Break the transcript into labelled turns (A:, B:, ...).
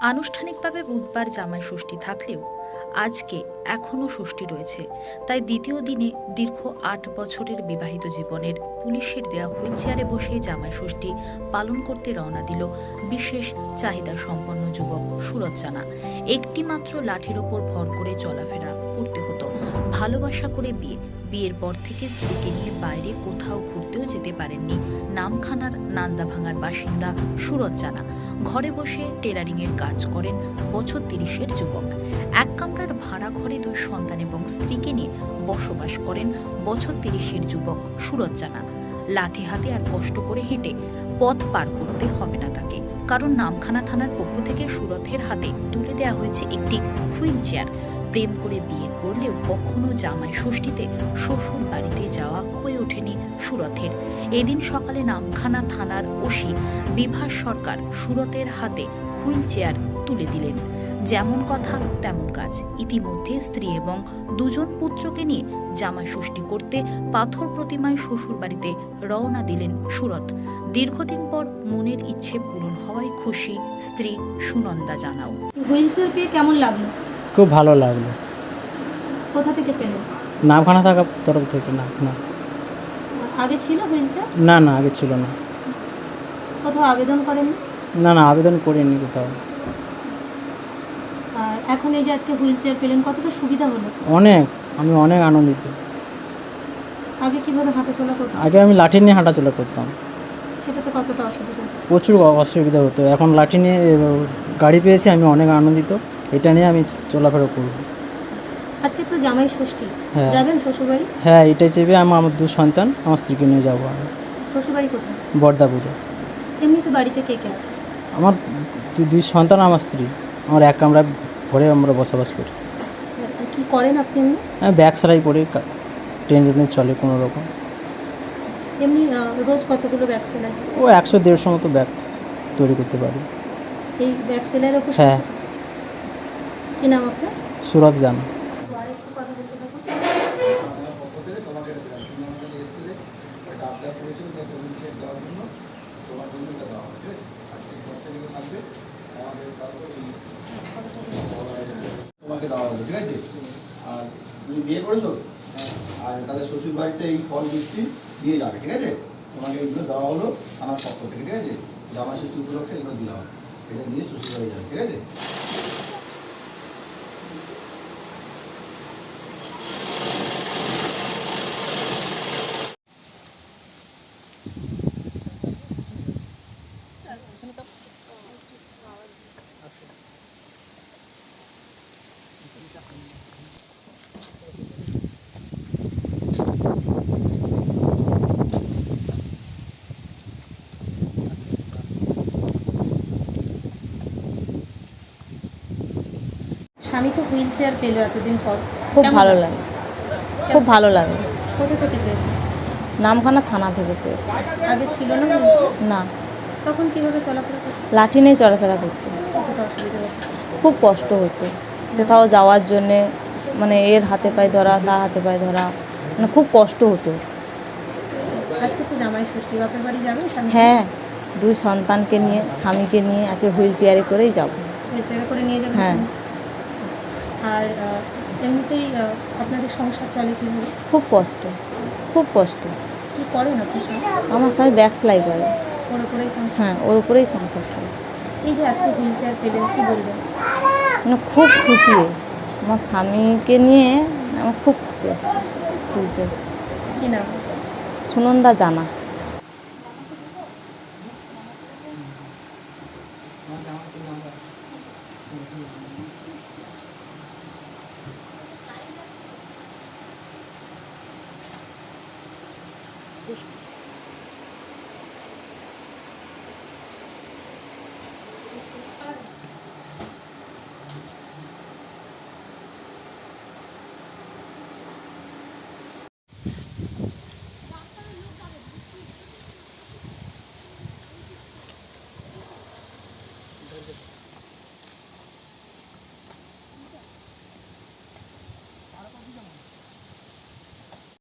A: আনুষ্ঠানিকভাবে বুধবার জামাই ষষ্ঠী থাকলেও আজকে এখনও ষষ্ঠী রয়েছে। তাই দ্বিতীয় দিনে দীর্ঘ ৮ বছরের বিবাহিত জীবনের পুলিশের দেয়া হুইল চেয়ারে বসে জামাই ষষ্ঠী পালন করতে রওনা দিল বিশেষ চাহিদা সম্পন্ন যুবক সুরজ জানা। একটি মাত্র লাঠির ওপর ভর করে চলাফেরা করতে হতো। ভালোবাসা করে বিয়ের পর থেকে স্ত্রীকে নিয়ে বাইরে কোথাও ঘুরতেও যেতে পারেননি নামখানার নান্দাভাঙার বাসিন্দা সুরজ জানা। ঘরে বসে টেলারিংয়ের কাজ করেন বছর ৩০-এর যুবক। এক কামরার ভাড়া ঘরে ২ সন্তান এবং স্ত্রীকে নিয়ে বসবাস করেন বছর ৩০-এর যুবক সুরজ জানা। লাঠি হাতে আর কষ্ট করে হেঁটে পথ পার করতে হবে না তাকে, কারণ নামখানা থানার পক্ষ থেকে সুরথের হাতে তুলে দেওয়া হয়েছে একটি হুইল চেয়ার। প্রেম করে বিয়ে করলেও কখনো জামাই ষষ্ঠীতে শ্বশুর বাড়িতে যাওয়া হয়ে ওঠেনি সুরথের। এদিন সকালে নামখানা থানার ওসি বিভাস সরকার সুরতের হাতে হুইল চেয়ার তুলে দিলেন। যেমন কথা তেমন কাজ। ইতিমধ্যে স্ত্রী এবং 2 জন পুত্রকে নিয়ে জামাই ষষ্ঠী করতে পাথর প্রতিমায় শ্বশুর বাড়িতে রওনা দিলেন সুরত। দীর্ঘদিন পর মনের ইচ্ছে পূরণ হওয়ায় খুশি স্ত্রী সুনন্দা জানাও।
B: হুইল চেয়ার পেয়ে কেমন লাগলো?
C: খুব ভালো লাগলো।
B: কোথা থেকে পেলেন?
C: নামখানা থাকার তরফ থেকে। না
B: আগে ছিল হুইল চেয়ার?
C: না আগে ছিল না।
B: কোথাও আবেদন করেননি?
C: না আবেদন করিনি কোথাও।
B: আর এখন এই যে আজকে হুইল চেয়ার পেলেন, কতটা সুবিধা হলো?
C: আমি অনেক আনন্দিত।
B: আগে কিভাবে হাঁটাচলা করতেন?
C: আগে আমি লাঠি নিয়ে হাঁটাচলা করতাম,
B: সেটাতে কতটা অসুবিধা?
C: প্রচুর অসুবিধা হতো। এখন লাঠি নিয়ে গাড়ি পেয়েছি, আমি অনেক আনন্দিত। এটা নিয়ে আমি চলাফেরা করব।
B: আজকে তো জামাই ষষ্ঠী,
C: হ্যাঁ।
B: যাবেন শ্বশুরবাড়ি?
C: হ্যাঁ, এটাই চেপে আমার 2 সন্তান, আমার স্ত্রীকে নিয়ে যাবো আমি।
B: শ্বশুরবাড়ি কোথায়?
C: বর্দাপুরে।
B: এমনিতে বাড়িতে কে কে আছে?
C: আমার 2 সন্তান, আমার স্ত্রী। আমার এক কামরা ঘরে আমরা বসবাস করি।
B: কি করেন আপনি এমনি?
C: হ্যাঁ, ব্যাগ সেলাই করি, ট্রেনে চলে কোনো রকম।
B: এমনি রোজ কতগুলো ব্যাগ সেলাই?
C: ও 100-150 মতো ব্যাগ তৈরি করতে পারি।
B: এই ব্যাগ সেলাইয়ের ওপর?
C: হ্যাঁ।
B: কি নাম আপনার?
C: সুরত জানা।
D: তোমাকে দেওয়া হলো, ঠিক আছে? আর তুমি বিয়ে করেছো, আর তাহলে শ্বশুর বাড়িতে এই ফল মিষ্টি দিয়ে যাবে, ঠিক আছে? তোমাকে এইগুলো দেওয়া হলো আমার পক্ষ থেকে, ঠিক আছে? জামাই ষষ্ঠী উপলক্ষে এগুলো দেওয়া হবে, এটা নিয়ে শ্বশুর বাড়ি যাবে, ঠিক আছে?
B: স্বামী তো হুইল চেয়ার পেলো এতদিন পর,
E: খুব
B: কেমন
E: ভালো
B: লাগছে?
E: লাগে, খুব ভালো লাগে।
B: কোথা থেকে পেয়েছে?
E: নামখানা থানা থেকে পেয়েছি।
B: আগে ছিল না হুইল চেয়ার?
E: না,
B: তখন কিভাবে চলাফেরা করতে?
E: লাঠি নিয়ে চলাফেরা করতে
B: কতটা অসুবিধা হচ্ছে?
E: খুব কষ্ট হতো। কোথাও যাওয়ার জন্যে মানে এর হাতে পায়ে ধরা, তার হাতে পায়ে ধরা, মানে খুব কষ্ট হতো।
B: আজকে তো জামাই ষষ্ঠী, বাপের বাড়ি যাবেন?
E: হ্যাঁ, 2 সন্তানকে নিয়ে, স্বামীকে নিয়ে আজকে হুইল চেয়ারে করেই যাব।
B: হুইল চেয়ারে করে নিয়ে যাবেন?
E: হ্যাঁ।
B: আর এমনিতেই আপনাদের সংসার চলে কীভাবে?
E: খুব কষ্ট, খুব কষ্ট।
B: কী করেন আপনার সঙ্গে?
E: আমার স্বামী ব্যাগ সেলাই করে।
B: ওর উপরেই সংসার?
E: হ্যাঁ, ওর উপরেই সংসার চলে।
B: এই যে আজকে হুইল চেয়ার পেলেন, কী বলবেন?
E: মানে খুব খুশি। আমার স্বামীকে নিয়ে আমার খুব খুশি হচ্ছে। Wheel chair.
B: কী নাম?
E: সুনন্দা জানা।
A: This